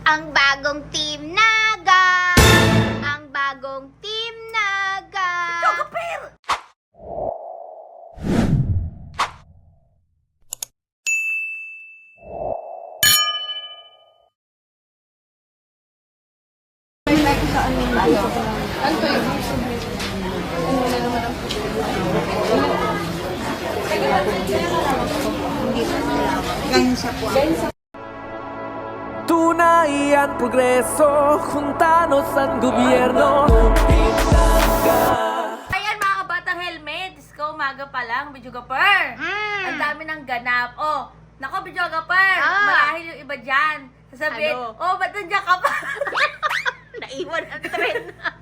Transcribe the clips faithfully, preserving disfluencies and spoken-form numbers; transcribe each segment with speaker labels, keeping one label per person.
Speaker 1: Ang bagong Team Naga! Ang bagong Team Naga!
Speaker 2: Chocopir!
Speaker 3: Tunay ang progreso, juntanos ang gobyerno.
Speaker 2: Ayan mga kabatang helmet, Isko, umaga pa lang, Bijogaper.
Speaker 1: Mm.
Speaker 2: Ang dami ng ganap. Oh, nako Bijogaper,
Speaker 1: Ah.
Speaker 2: marahil yung iba dyan. Sasabihin,
Speaker 1: Ano?
Speaker 2: oh, ba't nandiyan ka pa?
Speaker 1: Naiwan ang trend.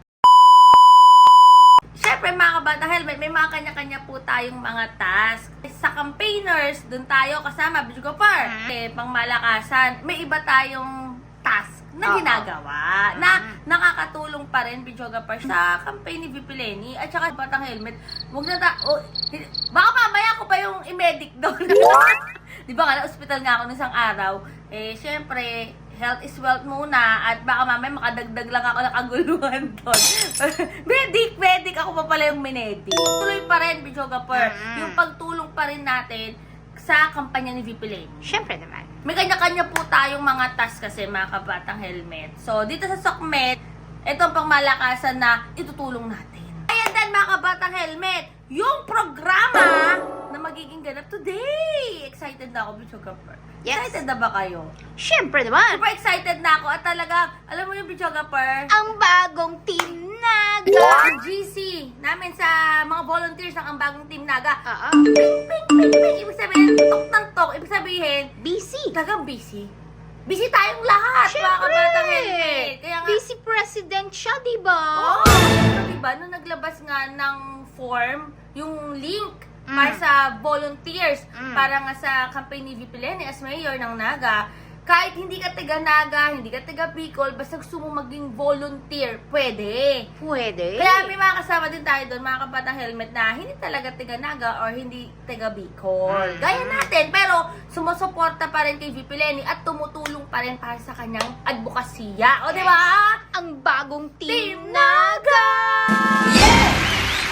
Speaker 2: Siyempre mga kabatang helmet, may mga kanya-kanya po tayong mga task. Sa campaigners, dun tayo kasama, Bijogaper.
Speaker 1: Mm.
Speaker 2: Eh, pang malakasan, may iba tayong task na
Speaker 1: Oo.
Speaker 2: ginagawa na nakakatulong pa rin Bijogaper sa campaign ni V P Lenny at saka batang helmet. Huwag na ta... Oh, hindi- baka mamaya ko pa yung i-medic doon. Di ba nga, na-hospital nga ako ng isang araw. Eh, syempre, health is wealth muna at baka mamaya makadagdag lang ako ng kaguluhan doon. medic, medic, ako pa pala yung minedic. Tuloy pa rin, Bijogaper,
Speaker 1: Mm.
Speaker 2: yung pagtulong pa rin natin sa kampanya ni V P Lenny.
Speaker 1: Siyempre naman.
Speaker 2: May kanya-kanya po tayong mga task kasi mga kabatang helmet. So, dito sa SOCMED, ito ang pangmalakasan na itutulong natin. Ayan din mga kabatang helmet, yung programa na magiging ganap today. Excited na ako, Bijogaper.
Speaker 1: Yes.
Speaker 2: Excited na ba kayo?
Speaker 1: Siyempre naman.
Speaker 2: Super excited na ako at talagang, alam mo yung Bijogaper,
Speaker 1: Ang bagong Team Naga!
Speaker 2: ang G C namin sa mga volunteers ng ang bagong Team Naga.
Speaker 1: Oo.
Speaker 2: Ping, ping, ping, ping. Ibig sabihin, tok ng tok. Ibig sabihin,
Speaker 1: Busy.
Speaker 2: talagang busy. Busy tayong lahat, mga
Speaker 1: Siyempre.
Speaker 2: kabatang helmet. Kaya nga,
Speaker 1: Busy president siya, di ba?
Speaker 2: oo, pero diba, nung naglabas nga ng form, yung link
Speaker 1: Mm.
Speaker 2: para sa volunteers,
Speaker 1: Mm.
Speaker 2: para nga sa campaign ni V P Lenny as mayor ng Naga, kahit hindi ka taga Naga, hindi ka taga Bicol, basta gusto mo maging volunteer, pwede.
Speaker 1: Pwede.
Speaker 2: Kaya may mga kasama din tayo doon, mga kabatang helmet na hindi talaga taga Naga or hindi taga Bicol.
Speaker 1: Mm.
Speaker 2: Gaya natin, pero sumusuporta pa rin kay V P Lenny at tumutulong pa rin para sa kanyang advokasya. O, di ba?
Speaker 1: Ang bagong Team,
Speaker 2: Team
Speaker 1: Naga!
Speaker 2: Yes!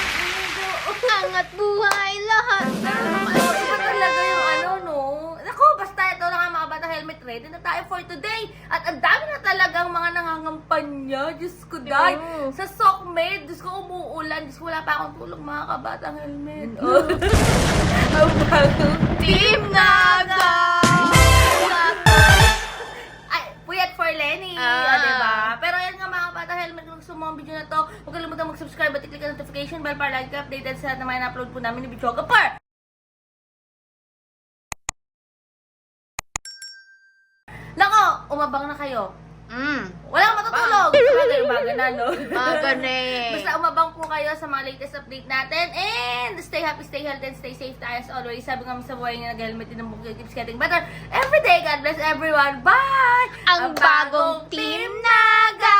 Speaker 1: Angat buhay lahat.
Speaker 2: Ano, iba talaga yung ano, no? Naku, basta ito lang ang mga bata helmet. Ready na tayo for today. At ang dami na talagang mga nangangampanya. Diyos ko, day.
Speaker 1: Oo.
Speaker 2: Sa SOCMED, Diyos ko, umuulan. Diyos ko, wala pa akong tulong mga kabatang helmet. Oh. Ang bagong
Speaker 1: Team Naga!
Speaker 2: Ay, puyat for Lenny.
Speaker 1: Ah.
Speaker 2: Ah. Diba? Pero yan nga mga bata helmet, kung gusto mo ang video na to, huwag kalimutan mag-subscribe at i-click ang notification bell para lagi ka updated sa lahat na mga na-upload po namin ni Bijogaper. Nako, umabang na kayo.
Speaker 1: Mm.
Speaker 2: Wala kang matutulog. Sabagay, umaga na, no?
Speaker 1: Maga na eh.
Speaker 2: Basta umabang po kayo sa mga latest update natin. And stay happy, stay healthy, and stay safe tayo as always. Sabi nga sa buhay nga nag-helmet din ng bukid keeps getting better every day. God bless everyone. Bye!
Speaker 1: Ang bagong Team Naga!